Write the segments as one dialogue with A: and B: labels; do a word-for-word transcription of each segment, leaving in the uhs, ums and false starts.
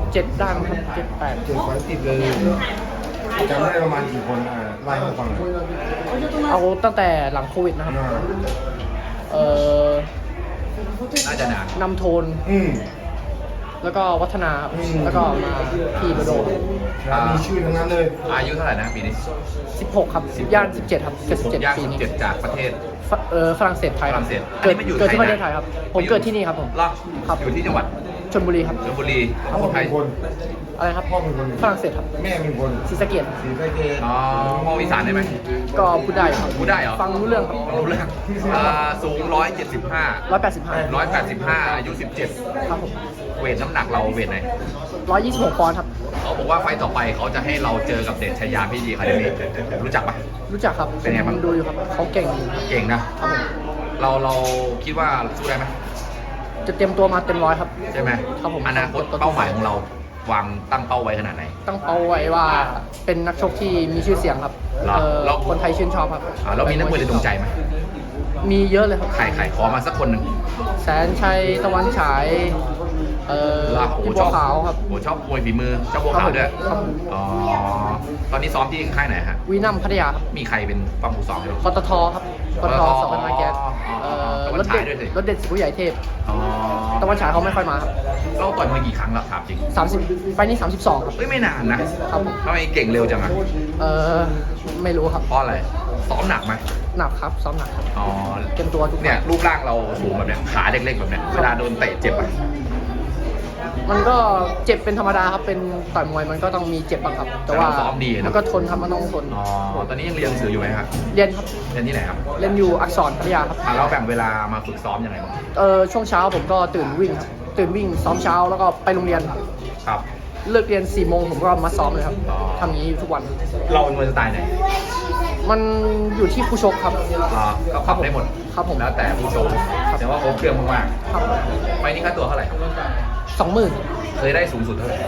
A: เจ็ดได้มั้งครับเจ็ดแปด
B: เจ็ดไฟล์ติดเลยจำได้ประมาณกี่คนอ่ะไล่ให้ฟังหน่อย
A: เอาตั้งแต่หลังโควิดนะครับ
B: อ่า
A: เอ่อ
C: น่าจะนาน
A: นำโทน
B: อืม
A: แล้วก็วัฒนาครับ
B: อืม
A: แล้วก็มาพี่โดโด
B: แล้วมีชื่อทั้งนั้นเลย
C: อายุเท่าไหร่นะปีนี้
A: สิบหกครับย่านสิบเจ็ดครับเกิดสิบเจ็ด
C: ย่าง
A: ปี
C: สิบ
A: นี้
C: เจ็ดจากประเทศ
A: ฝเออฝรั่งเศสไทย
C: ฝรั่งเศส
A: เกิด
C: อันนี้มาอยู่
A: เกิดที่
C: ไท
A: ป
C: ย
A: ระ
C: นะ
A: เทศไทยครับ ผมเกิดที่นี่ครับผม
C: เหรอ
A: ครับ
C: อยู่ที่จังหวัด
A: ชลบุรีครับ
C: ชลบุรี
B: พ่อ
C: ไท
B: เป็
C: ย
B: นคน
A: อะไรครับ
B: พ่อเป็นคน
A: ฝรั่งเศสครับ
B: แม่เป็นคน
A: ศรีสะเกษ
B: ศรีสะเกษ
C: อ๋อมออีสานได้ไหม
A: ก็พูดได้ครับ
C: พูดได้เหรอ
A: ฟังรู้เรื่องครับ
C: รู้เรื่องอ่าสูงร้อยเจ็ดสิบห้า
A: ร้อยแปดสิบห้า
C: ร้อยแปดสิบห้าอายุสิบเจ็ด
A: ครับผม
C: เวทน้ำหนักเราเวทไหน
A: ร้อยยี่สิบหกปอนด์ครับ
C: เขาบอกว่าไฟต์ต่อไปเขาจะให้เราเจอกับเดชชยาพี่ดีคาเดมี่รู้จักปะ
A: รู้จักครับ
C: เป็นไงบ้าง
A: ผมดูอยู่ครับเขาเก่งอยู่ครับ
C: เก่งนะ
A: ครับผม
C: เราเราคิดว่าสู้ได้ไหม
A: จะเตรียมตัวมาเต็มร้อยครับ
C: ใช่ไหม
A: ครับผม
C: อนาคตเป้าหมายของเราวางตั้งเป้าไว้ขนาดไหน
A: ตั้งเป้าไว้ว่าเป็นนักชกที่มีชื่อเสียงครับ
C: เหรอ
A: เอ่อ
C: เรา
A: คนไทยชื่นชอบครับ
C: อ่าเรามีนักมวยในดวงใจไหม
A: มีเยอะเลยครับ
C: ใครใครขอมาสักคนหนึ่ง
A: แสนชัยตะวันฉายเอ่อ
C: ล่ะโอ้
A: พี่
C: ช
A: บั
C: อ
A: ว
C: บ
A: ขาวครับ
C: โอ้ชอบมวยฝีมือชอบบัวขาวด้วย
A: ครับผม
C: อ๋อตอนนี้ซ้อมที่ค่ายไหนฮะ
A: วีนัมพัทยาครับ
C: มีใครเป็นฝั่งผู้ซ้อมอยู่
A: ปตทครับปตทสองพันมาแก๊สเอ่อ
C: ตะวั
A: ร
C: น
A: ถ
C: ฉา
A: เด็
C: ย
A: ด
C: ด้วยสิ
A: รถเด็ดสิบผู้ใหญ่เทพ
C: อ๋อ
A: ตะวันฉายเขาไม่ค่อยมาครับ
C: เราต่อยมวยกี่ครั้งแล้วถามจริง
A: สามสิบไปนี่สามสิบสองครับ
C: เฮ้ยไม่นานนะครับ
A: ผม
C: ทำไมเก่งเร็วจังอะ
A: เออไม่รู้ครับ
C: เพราะอะไรซ้อมหนักไหม
A: หนักครับซ้อมหนักครับ
C: อ๋อ
A: เตรียมตัวทุก
C: เนี่ยรูปร่างเราสูงแบบเนี้ยขาเล็กๆแบบเนี้ยเวลาโดนเตะเจ็บไหม
A: มันก็เจ็บเป็นธรรมดาครับเป็นต่อยมวยมันก็ต้องมีเจ็บบ้างครับ แต่ว่า
C: แต่เราซ้อมดีนะ
A: มันก็ทนครับมันต้องทน
C: อ๋อตอนนี้ยังเรียนหนังสืออยู่ไหมครับ
A: เรียนครับ
C: เรียนที่ไหนครับ
A: เรียนอยู่อักษรพัทยาครับ
C: อ่ะเราแบ่งเวลามาฝึกซ้อมยังไงบ้าง
A: เออช่วงเช้าผมก็ตื่นวิ่งครับตื่นวิ่งซ้อมเช้าแล้วก็ไปโรงเรียน
C: ครับ
A: เลิกเรียนสี่โมงผมก็มาซ้อมเลยครับ
C: อ๋อ
A: ทำอย่างนี้อยู่ทุกวัน
C: เราเป็นมวยสไตล์ไหน
A: มันอยู่ที่ผู้ชกครับ
C: อ๋อก็ปรับได้หมด
A: ครับผม
C: แล้วแต่ผู้ชมแต่ว่าครบเครื่องมาก
A: ครับ
C: ๆไฟล์นี้ค่าตัวเท่าไหร่ครับ
A: สองหมื่น
C: เคยได้สูงสุดเท่าไหร่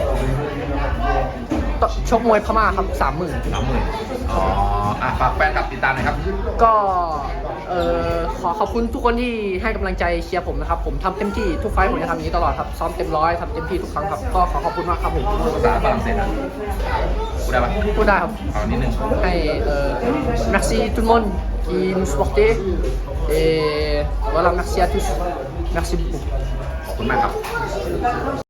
A: ชกมวยพม่าครับสามหมื่น
C: สามหมื่นอ๋ออ่ะฝากแฟนคลับติดตามหน่อยครับ
A: ก็เออขอขอบคุณทุกคนที่ให้กำลังใจเชียร์ผมนะครับผมทำเต็มที่ทุกไฟท์ผมจะทำอย่างนี้ตลอดครับซ้อมเต็มร้อยทำเต็มที่ทุกครั้งครับก็ขอขอบคุณมากครับผม
C: ภาษาฝรั่งเศสนะพูดได้ปะ
A: พูดได้ครับ
C: เอานิดนึง
A: ให้เอ่อ merci tout le monde qui nous supportait et voilà merci à tous merci beaucoup
C: ขอบคุณมากครับ